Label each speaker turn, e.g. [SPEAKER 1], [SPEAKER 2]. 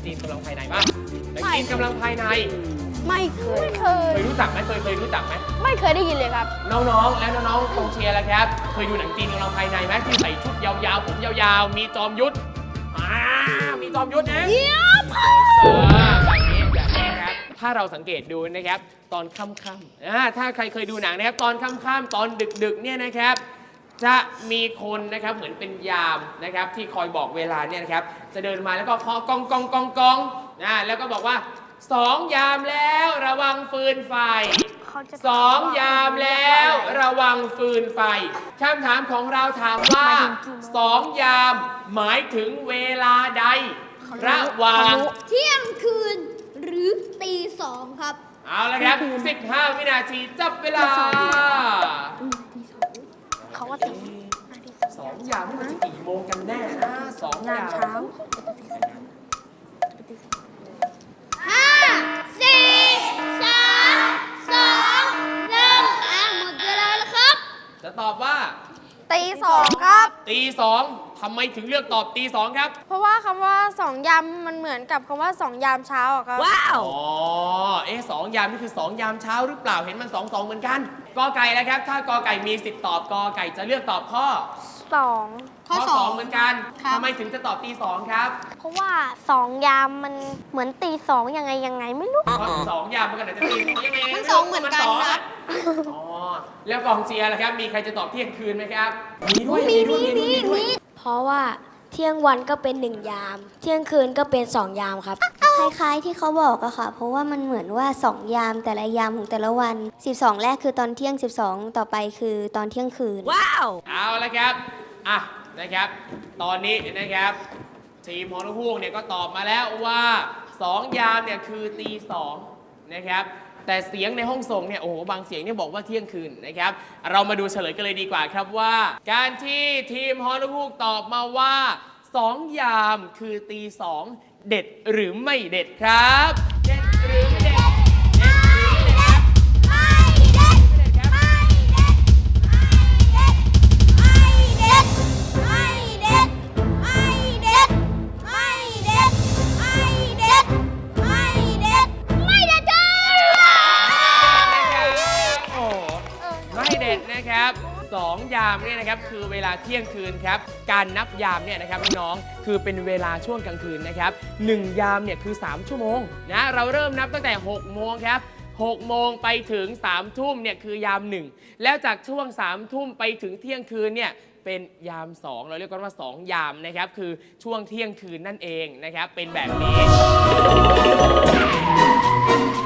[SPEAKER 1] จีนกำลังภายในบ้างหนังจีนกำลังภายใน
[SPEAKER 2] ไม่เคย
[SPEAKER 1] รู้จักไหมเคยรู้จักไหม
[SPEAKER 2] ไม่เคยได้ยินเลยครับ
[SPEAKER 1] น้องๆและน้องๆกองเชียร์แล้วครับเคยดูหนังจีนกำลังภายในไหมที่ใส่ชุดยาวๆผมยาวๆมีจอมยุทธมีจอมยุทธนะแบบนี้ครับถ้าเราสังเกตดูนะครับตอนค่ำๆถ้าใครเคยดูหนังนะครับตอนค่ำๆตอนดึกๆเนี่ยนะครับจะมีคนนะครับเหมือนเป็นยามนะครับที่คอยบอกเวลาเนี่ยนะครับจะเดินมาแล้วก็เคาะกองแล้วก็บอกว่า2 ยามแล้วระวังฟืนไฟ2 ยามแล้วระวังฟืนไฟคำถามของเราถามว่า2 ยามหมายถึงเวลาใดระหว่าง
[SPEAKER 3] เที่ยงคืนหรือตี 2ครับ
[SPEAKER 1] เอาละครับ15 วินาทีจับเวลา
[SPEAKER 2] เขาว่า
[SPEAKER 1] 2 ยามนี่มันจะกี่โมงกันแน่นะ2 ยาม
[SPEAKER 2] เช้า
[SPEAKER 3] 5 4 3 2 1หมดเวลาแล้วครับ
[SPEAKER 1] จะตอบว่า
[SPEAKER 2] ตี 2ครับ
[SPEAKER 1] ตี 2ทำไมถึงเลือกตอบตี 2ครับ
[SPEAKER 2] เพราะว่าคำว่า2 ยามมันเหมือนกับคำว่า2 ยามเช้าอะครับ
[SPEAKER 1] ว้าว2 ยามนี่คือ2 ยามเช้าหรือเปล่าเห็นมัน2 เหมือนกันกอไก่แล้วครับถ้ากอไก่มีสิทธิ์ตอบกอไก่จะเลือกตอบข้อ
[SPEAKER 2] ข้อ
[SPEAKER 1] 2เหมือนกันทำไมถึงจะตอบตี 2ครับ
[SPEAKER 2] เพราะว่า2 ยามมันเหมือนตี 2ยังไงไม่รู้
[SPEAKER 1] เพราะ2 ยามมันก็อาจจะตียังไง
[SPEAKER 3] มัน2เหมือนกันครับ
[SPEAKER 1] แล้วกองเชียร์ล่ะครับมีใครจะตอบเที่ยงคืนไหมครับมี
[SPEAKER 4] เพราะว่าเที่ยงวันก็เป็น1 ยามเที่ยงคืนก็เป็น2 ยามครับ
[SPEAKER 5] คล้ายๆที่เขาบอกอะค่ะเพราะว่ามันเหมือนว่า2 ยามแต่ละยามของแต่ละวัน12แรกคือตอนเที่ยง12ต่อไปคือตอนเที่ยงคืน
[SPEAKER 1] ว้าวเอาละครับนะครับตอนนี้นะครับทีมฮอนุฮูกเนี่ยก็ตอบมาแล้วว่า2 ยามเนี่ยคือตี 2นะครับแต่เสียงในห้องส่งเนี่ยโอ้โหบางเสียงเนี่ยบอกว่าเที่ยงคืนนะครับเรามาดูเฉลยกันเลยดีกว่าครับว่าการที่ทีมฮอนุฮูกตอบมาว่า2 ยามคือตี 2เด็ดหรือไม่เด็ดครับเด็ดหรือไม่เด็ดนะครับ2 ยามเนี่ยนะครับคือเวลาเที่ยงคืนครับการนับยามเนี่ยนะครับน้องๆคือเป็นเวลาช่วงกลางคืนนะครับ1 ยามเนี่ยคือ3 ชั่วโมงนะเราเริ่มนับตั้งแต่6 โมงครับ6 โมงไปถึง3 ทุ่มเนี่ยคือยาม1แล้วจากช่วง3 ทุ่มไปถึงเที่ยงคืนเนี่ยเป็นยาม2เราเรียกกันว่า2 ยามนะครับคือช่วงเที่ยงคืนนั่นเองนะครับเป็นแบบนี้